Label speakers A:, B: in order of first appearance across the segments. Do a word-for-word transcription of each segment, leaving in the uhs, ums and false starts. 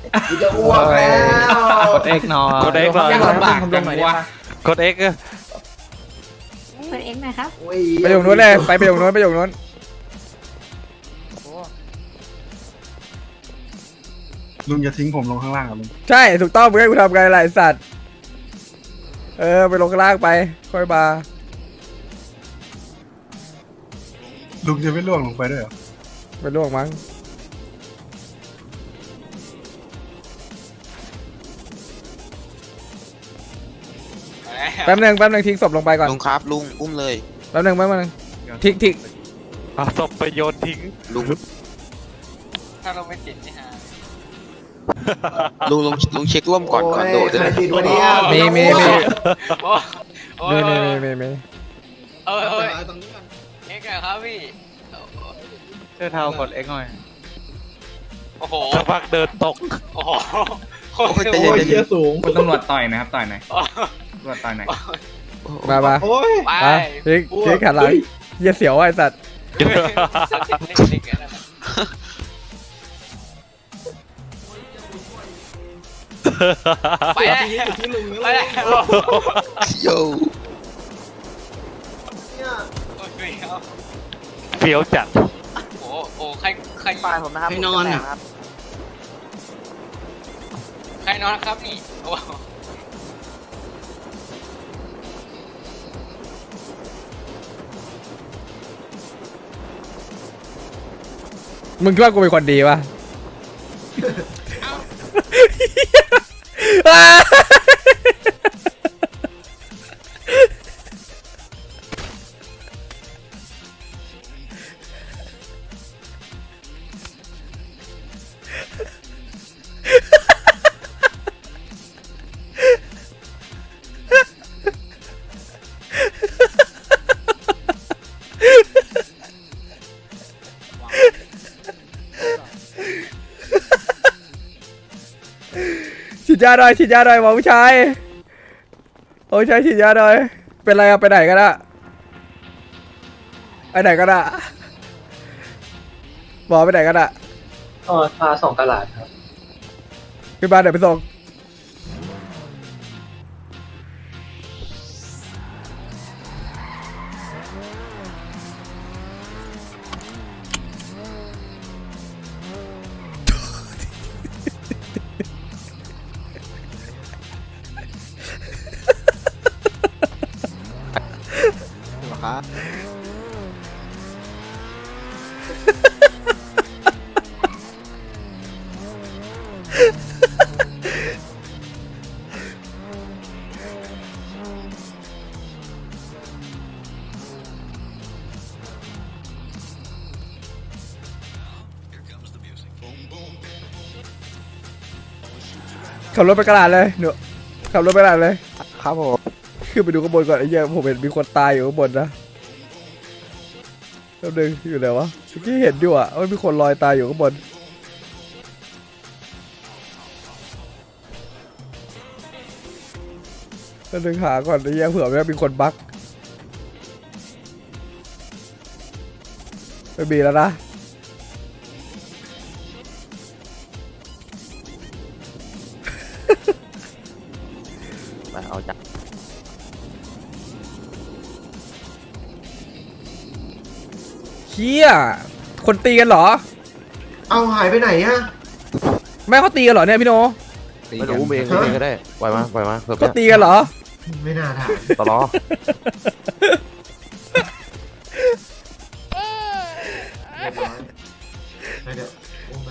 A: กูจะอ้วกแล้ว
B: กดเอ็กหน่อย
C: กดเอ็กหน่อย
B: ยังลำบากจังวะ
C: กดเอ็ก
D: เปิดเอ็กหน่อยครับ
A: โอ้ย
E: ไปอยู่นู้นเลยไปไปอยู่นู้นไปอยู่นู้น
F: ลุงอย่าทิ้งผมลงข้างล่างอ่ะลุง
E: ใช่ถูกต้องมึงให้กูทำไงล่ะไอ้สัตว์เออไปลงข้างล่างไปค่อยมา
F: ลุงจะไม่ล่วงลงไปด้วยเหรอ
E: ไปล่วงมั้งแป๊บนึงแป๊บนึงทิ้งศพลงไปก่อน
G: ลุงครับลุงอุ้มเลย
E: แป๊บนึงแป๊บนึงทิ้งทิ้ง
C: เอาศพไปโยนทิ้ง
G: ลุง
B: ถ้าเราไม่ติดนี่ฮะ
G: ลุงลุงลุงเช็คร่วมก่อนก่อนโดด
A: ใคร
G: เลย
A: ติดวันนี้
E: มีมีมี
B: โอ้
E: มี
B: ย
E: มีมีมีมี
B: เอ้ยเอ้ย
A: ตรงนี้ก่อน
B: เอ็กอะครับพี่
C: เสื้อเทากดเอ็กหน่อย
B: โอ้โห
C: สักพักเดินตก
B: โอ้โห
G: โอ้ยใจ
A: โอ้
G: เย็น
A: ย
G: ใจ
A: เชี่
G: เย็
A: ย
G: น
A: สูง
B: คุณตำรวจต่อยนะครับต่อยหน่อยตำรวจต่อยหน่อย
E: มามา
A: โอ้ย
B: ไป
E: อ่ะทิ้งทิ้งขันหลังเหี้ยเสียวไอ้สัตว์
B: ไปแล้ว
A: ที่ลุง
B: ไปแล้ว
G: โย่
B: โอ้ยครับ
C: เฟี้ยวจัด
B: โอ้โอ้ใครใคร
H: ปลายผมนะครับ
A: ให้นอนอ่ะ
H: ครับ
B: ใครนอนครับนี่โอ้
E: มึงคิดว่ากูเป็นคนดีปะฉีดยาหน่อยฉีดยาหน่อยหมอผู้ชายหมอผู้ชายฉีดยาหน่อยเป็นไรอะไปไหนกันอะไปไหนกันอะหมอไปไหนกันอะ
H: อ๋อพาสองตลาดครับ
E: ขึ้นมาเดี๋ยวไปส่งขับรถไปกระดาษเลยหนูขับรถไปกระดาษเลย
G: ครับผม
E: ขึ้นไปดูข้างบนก่อนไอ้เหี้ยผมเห็นมีคนตายอยู่ข้างบนนะแป๊บนึงอยู่ไหนวะเมื่อกี้เห็นอยู่อะว่ามีคนลอยตายอยู่ข้างบนแป๊บนึงหาก่อนไอ้เหี้ยเผื่อว่ามีคนบั๊กไม่มีแล้วนะ
G: ไปเอาจับ
E: เหี้ยคนตีกันเหรอ
A: เอาหายไปไหนอะ
E: แม่เขาตีกันเหรอเนี่ยพี่โน
G: ไม่รู้อุ้มเองอุ้มเองก็ได้ปล่อยมาปล่อยมาเพิ่ม
E: เขาตีกันเหรอ
A: ไม่น่าถาม
G: ตลอด
A: เรียบร้อยไปเดี๋ยวโอ้ไป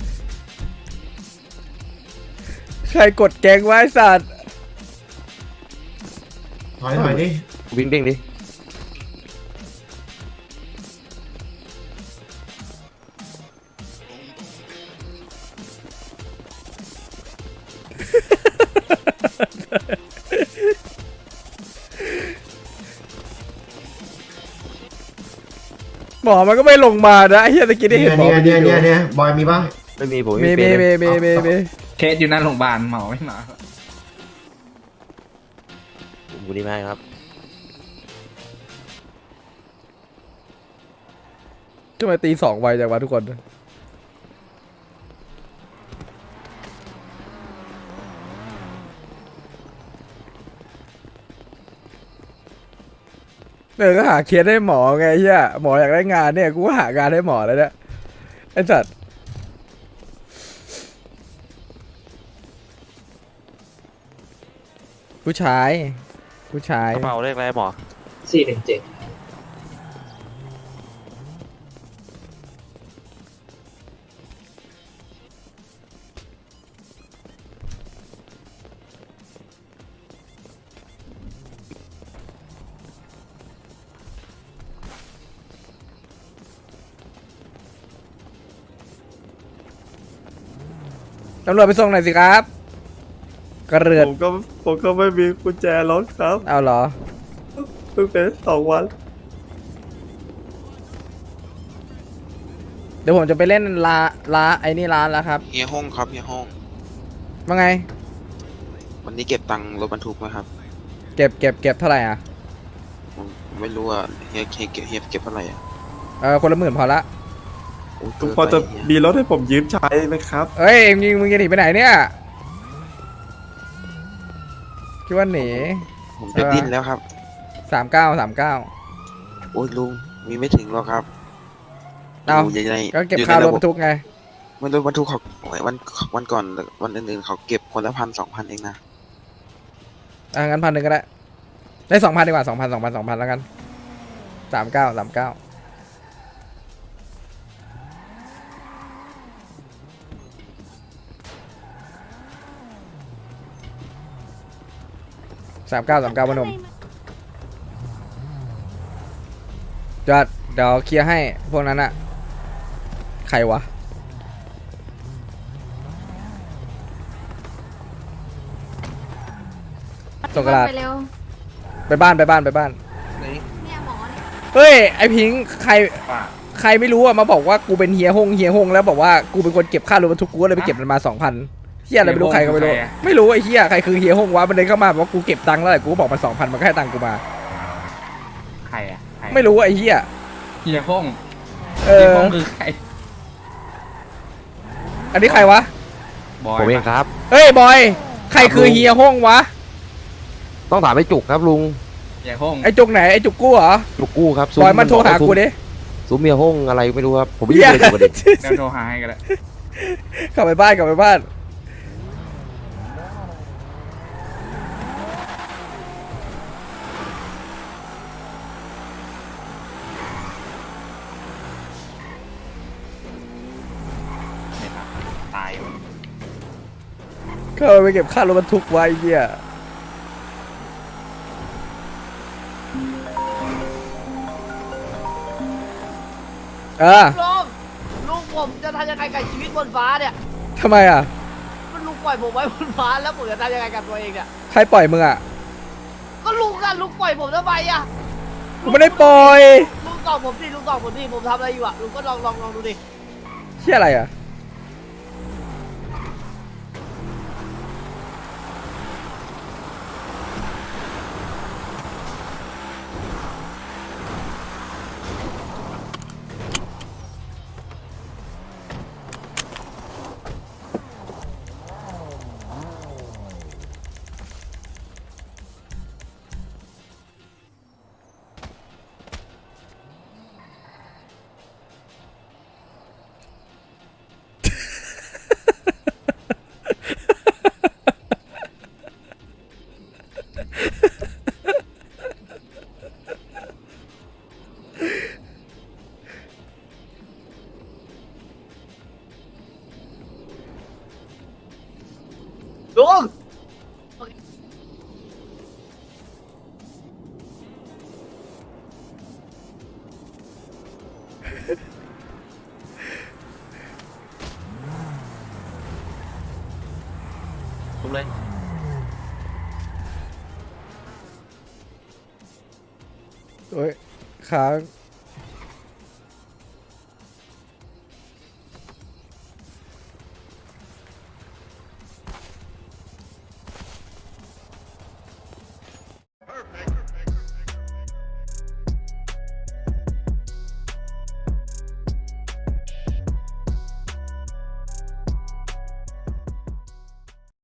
E: ใครกดแกงไว้สัตว์
A: ถอยถอยดิ
G: วิ่งเด้งดิ
E: หมอมันก็ไม่ลงมานะไอ้เหี้ยตะกี้ได้
A: เนี่ย
E: เห็นหมอ
A: เนี่ย
E: มัน
A: เนี่ย
E: อยู่
A: เนี่ยเนี่ยบอยมีป่ะ
G: ไม่มีผม
E: มี
G: ไม่
E: มี
G: เป็น
E: มีมีมีมี
B: เคสอยู่หน้าโรงพยาบาลหมอไม่มา
G: ผมกูดีมากครับ
E: ทำไมตีสองไวจังวะทุกคนเออก็หาเคสให้หมอไงเฮียหมออยากได้งานเนี่ยกูก็หางานให้หมอแล้วเนี่ยไอ้สัตว์ผู้ชายผู้ชาย
C: กระเป๋าเลขอะไรหมอ
H: สี่หนึ่งเจ็ด
E: ตำรวจไปส่งหน่อยสิครับกระเรือน
I: ผมก็ผมก็ไม่มีกุญแจรถครับ
E: เอาเหรอ
I: เพิ่งเป็นสองวัน
E: เดี๋ยวผมจะไปเล่นลาลาไอ้นี่ร้านแล้วครับ
J: เฮียห้องครับเฮียห้อง
E: ว่าไง
J: วันนี้เก็บตังค์รถบรรทุกไหมครับ
E: เก็บเก็บเก็บเท่าไหร่อ่ะ
J: ผมไม่รู้ว่าเฮียเฮียเก็บเฮียเก็บเท่าไหร่อ่ะ
E: เออคนละหมื่นพอละ
J: โอ้ย
I: ทุก
J: เกิน
I: พอจะ
J: ไปเฮีย
I: มีรถให้ผมยืมใช้ไหมครับ
E: เอ้ยมึงมึงจะหนีไปไหนเนี่ยคิดว่าหนี
J: ผมจะดิ้นแล้วครับ
E: สามเก้าสามเก้า
J: โอ้ยลุงมีไม่ถึงหรอกครับ
E: เอา
J: ยู่ใน
E: ก็เก็บ
J: อยู่
E: ค่าร
J: ใน
E: ถ
J: ระ
E: บรรทุกไง
J: มันรถบรรทุกเขาวันวันก่อนวันอื่นๆเขาเก็บคนละพันสองพันเองนะ
E: อ่ะงั้นพันหนึ่งก็ได้ ได้สองพันดีกว่าสองพันสองพันสองพันแล้วกันสามเก้าสามเก้าสามเก้าสามเก้าพนมจอดเดี๋ยวเคลียร์ให้พวกนั้นอะใครวะ ส่งกระดาษ
D: ไปเร็ว
E: ไปบ้านไปบ้านไปบ้าน
D: เนี่ยหมอเนี่ย
E: เฮ้ยไอพิงค์ใครใครไม่รู้อะมาบอกว่ากูเป็นเฮียฮงเฮียฮงแล้วบอกว่ากูเป็นคนเก็บค่ารถบรรทุกกูก็เลยไปเก็บมันมาสองพันเฮียอะไรไม่รู้ใครก็ไม่รู้ไม่รู้ไอเฮียใครคือเฮียฮงวะมันเดินเข้ามาบอกว่ากูเก็บตังค์แล้วแหละกูก็บอกมันสองพันมันก็ให้ตังค์กูมา
B: ใครอ่ะใคร
E: ไม่รู้ไอเฮีย
B: เฮียห้อง
E: เอ
B: เฮีย
E: อ
B: ห้องคือใคร
E: อันนี้ใครวะ
B: บอย
G: ผมเองครับ
E: เฮ้ยบอยใครคือเฮียฮงวะ
G: ต้องถามไอ้จุกครับลุง
B: เฮียห้อง
E: ไอจุกไหนไอจุกกู้เหรอ
G: จุกกู้ครับ
E: บอยมันโทรหากูดิ
G: ซุ้มเมียห้องอะไรไม่รู้ครับผมไม่
E: เฮี
G: ได้
E: ย
G: เลยอยู่ประเด็น
B: เดี๋ยวโทรหาให้กันละ
E: กลับไปบ้านกลับไปบ้าน
B: เนี่ยครับตายว่ะ
E: เข้าไปเก็บค่ารถบรรทุกไว้เฮียเออ
K: ลุงลุงผมจะทำยังไงกับชีวิตบนฟ้าเนี่ย
E: ทำไมอ่ะ
K: มันลุงปล่อยผมไว้บนฟ้าแล้วผมจะทำยังไงกับตัวเองเนี่ย
E: ใครปล่อยมึงอ่ะ
K: ก็ลุงอะลุงปล่อยผมทำไมอะ
E: กูไม่ได้ปล่อย
K: ลุงตอบผมดิลุงตอบผมดิผมทำอะไรอยู่อะลุงก็ลองลองลองดูดิ
E: เชี่ยอะไรอ่ะ
K: ลุง
B: ทุบเลย
E: โอ้ยค้าง